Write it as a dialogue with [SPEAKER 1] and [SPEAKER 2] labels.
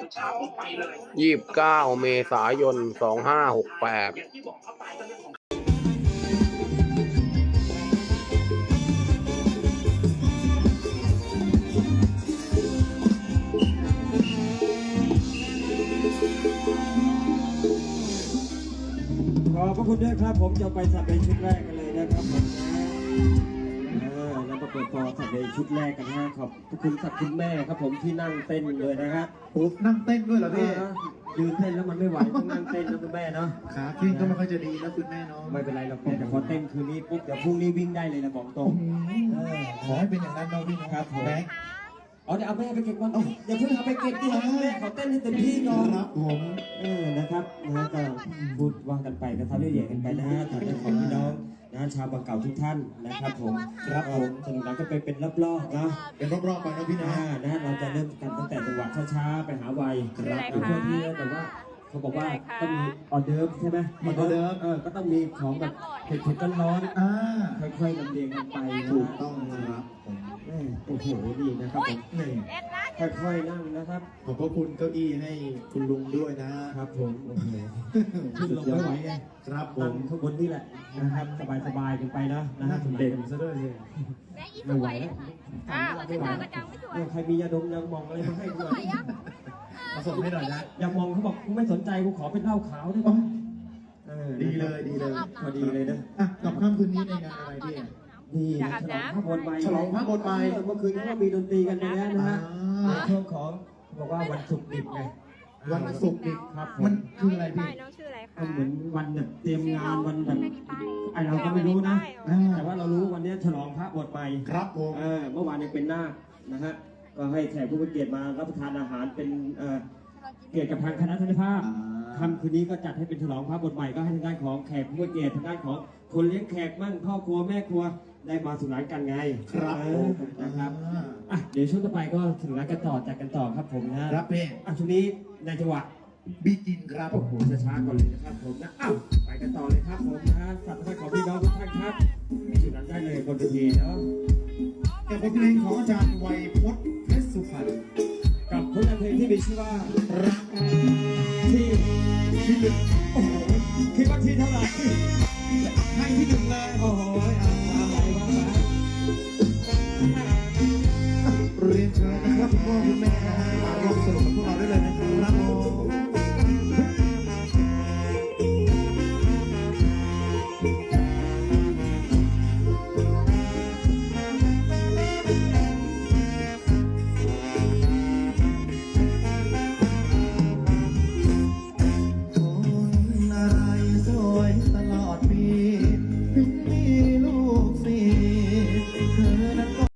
[SPEAKER 1] 29 เมษายน 2568
[SPEAKER 2] ขอบพระคุณด้วยครับผมจะไปสัตว์ในชุดแรกกันเลยนะครับผมแล้วมาเปิดตัวสัตว์ในชุดแรกกันนะขอบพระคุณสัตว์คุณแม่ครับผมที่นั่งเต้นเลยนะครับ
[SPEAKER 3] โอ้นั่งเต้นด้วยเหรอพี่
[SPEAKER 2] ยืนเต้นแล้วมันไม่ไหวต้องนั่งเต้นนะคุณแม่เนาะ
[SPEAKER 3] ขาขึ้นก็ไม่ค่อยจะดีนะคุณแม่เนาะ
[SPEAKER 2] ไม่เป็นไรหรอกแต่พอเต้นคืนนี้ปุ๊บเดี๋ยวพรุ่งนี้วิ่งได้เลยนะบอกตรง
[SPEAKER 3] ขอให้เป็นอย่างนั้นเนาะพี่นะครับ
[SPEAKER 2] ผม
[SPEAKER 3] แบงค์
[SPEAKER 2] เดี๋ยวเอาแม่ไปเก็บก่อนเดี๋ยวเพิ่งเอาไปเก็บดิแม่ขอเต้นให้เต็มที่ก่อน
[SPEAKER 3] ครับผม
[SPEAKER 2] นะครับนะก็พูดว่ากันไปกระทำเรื่อยๆกันไปนะฮะทางเรื่องของพี่น้องนะชาวบางเก่าทุกท่านนะครับผมครับผมสนุกนั้นก็เป็นรอบๆนะ
[SPEAKER 3] เป็นรอบๆไปนะพี่นะ
[SPEAKER 2] นะเราจะเริ่มกันตั้งแต่จังหวะช้าๆไปหาวัยครับเพื่อที่แต่ว่าเขาบอกว่าต้องมีออเดิร์ฟใช่ไหมก็ต้องมีของแบบเผ็ดๆร้อน
[SPEAKER 3] อ่า
[SPEAKER 2] ๆค่อยๆลำเลียงกันไป
[SPEAKER 3] ถูกต้องครับผม
[SPEAKER 2] โอ้โหนี่นะครับผม
[SPEAKER 3] นี่
[SPEAKER 2] ค่อยๆนั่งนะครับ
[SPEAKER 3] ขอบพระคุณเก้าอี้ให้คุณลุงด้วยนะครับ
[SPEAKER 2] ผมโอ้โหขึ้นลงไม่ไหวไง
[SPEAKER 3] ครับผ
[SPEAKER 2] นั่ง
[SPEAKER 3] ม
[SPEAKER 2] ข้างบนนี่แหละนะครับสบายๆกันไปนะฮะเด็กซะด้วยเลยไม่ไหวแล้ว
[SPEAKER 4] ขอจะเจอกระจังไม่สวย
[SPEAKER 2] ใครมียาดมยามองอะไรมาให้กูหน่อย
[SPEAKER 3] มาส่งให้หน่อยนะ
[SPEAKER 2] ยามองเขาบอกกูไม่สนใจกูขอเป็นเหล้าขาวได้ไหม
[SPEAKER 3] ดีเลยดีเลย
[SPEAKER 2] พอดีเลยนะ
[SPEAKER 3] อ่ะกับค่ำคืนนี้ในงานอะไรพี่
[SPEAKER 2] นี่ฉลองพระบนใบ
[SPEAKER 3] ฉลองพระบนใบ
[SPEAKER 2] เมื่อคืนเขาก็มีดนตรีกันไปแล้วนะฮะ
[SPEAKER 3] อ่า
[SPEAKER 2] ช่วงของบอกว่าวันศุกร์ดิบไง
[SPEAKER 3] วันศุกร์ดิบ
[SPEAKER 2] ครับ
[SPEAKER 3] มันคืออะไร
[SPEAKER 4] ป้า
[SPEAKER 3] พี่
[SPEAKER 4] ยน้องชื่ออะไรคะ
[SPEAKER 2] มันเหมือนวันแบบเตรียมงานวันแบบ
[SPEAKER 4] ไม่มีป้าย
[SPEAKER 2] ไอเราก็ไม่รู้นะ
[SPEAKER 3] อ่า
[SPEAKER 2] แต่ว่าเรารู้วันนี้ฉลองพระบวชใหม่
[SPEAKER 3] ครับผม
[SPEAKER 2] เมื่อวานยังเป็นนาคนะฮะก็ให้แขกผู้มีเกียรติมารับประทานอาหารเป็นเกียรติกับทางคณะทนายภาพค่ำคืนนี้ก็จัดให้เป็นฉลองพระบวชใหม่ก็ให้ทางด้านของแขกผู้มีเกียรติทางด้านของคนเลี้ยงแขกมั่งพ่อครัวแม่ครัวได้มาสุขสันต์กันไง
[SPEAKER 3] ครับ
[SPEAKER 2] เอ
[SPEAKER 3] ผ
[SPEAKER 2] อ
[SPEAKER 3] ม
[SPEAKER 2] นะครับเดี๋ยวช่วงต่อไปก็ถึงร้านกันต่อจัดกันต่อครับผมนะครับ
[SPEAKER 3] พี่
[SPEAKER 2] ช่วงนี้ในจังหวะ
[SPEAKER 3] บีกินครับ
[SPEAKER 2] โอ้โหช้าๆก่อนเลยนะครับผมนะไปกันต่อเลยครับผมนะสัตว์ทของพี่น้องทุกท่านครับจุดนั้นได้เลยบนเวทีเนาะ
[SPEAKER 3] กับบทเพลงของอาจารย์ไวยพจน์เพชรสุพรรณ
[SPEAKER 2] กับผลงานเพลงที่มีชื่อว่า
[SPEAKER 3] รัก
[SPEAKER 2] ที่ที่หนึ่งโอ้โหคิดว่าที่เท่าไหร่
[SPEAKER 3] ให้ที่หนึ่งเลย
[SPEAKER 2] โอ้โหมาไหลมา
[SPEAKER 3] เรียนเชิญนะครับคุณพ่อคุณแม่นะฮะมาร่วมสนุกกับพวกเราได้เลยนะครับผมคนอะไรสวยตลอดปีปีนี้